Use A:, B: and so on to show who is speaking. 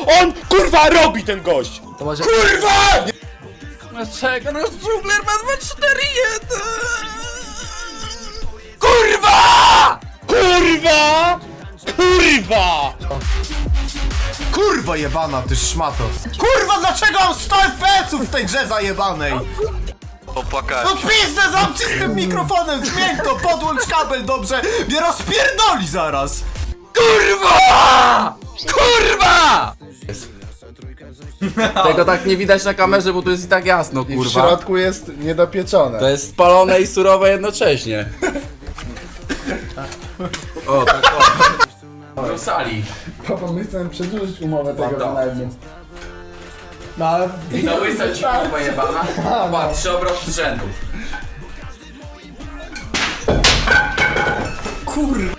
A: On, kurwa, robi ten gość!
B: To może...
A: Kurwa!
B: Czekaj, no dżungler ma 2-4-1!
A: Kurwa! Kurwa! Kurwa!
C: Kurwa jebana, ty szmato. Kurwa, dlaczego mam 100 FPS-ów w tej grze zajebanej?
D: Popłakać.
C: No pizdę, zamknij z tym mikrofonem, zmień to, podłącz kabel dobrze, mnie rozpierdoli zaraz.
B: Kurwa! Kurwa! Tego tak nie widać na kamerze, bo tu jest i tak jasno,
E: I w
B: kurwa.
E: środku jest niedopieczone.
B: To jest spalone i surowe jednocześnie. O, tak o. Do sali.
E: Papa, my chcemy przedłużyć umowę tego
B: Dobra.
E: wynajmu. No ale...
B: I na łysa ci kurwa jebana. Patrz, 3 obroty z rzędu. Kurwa!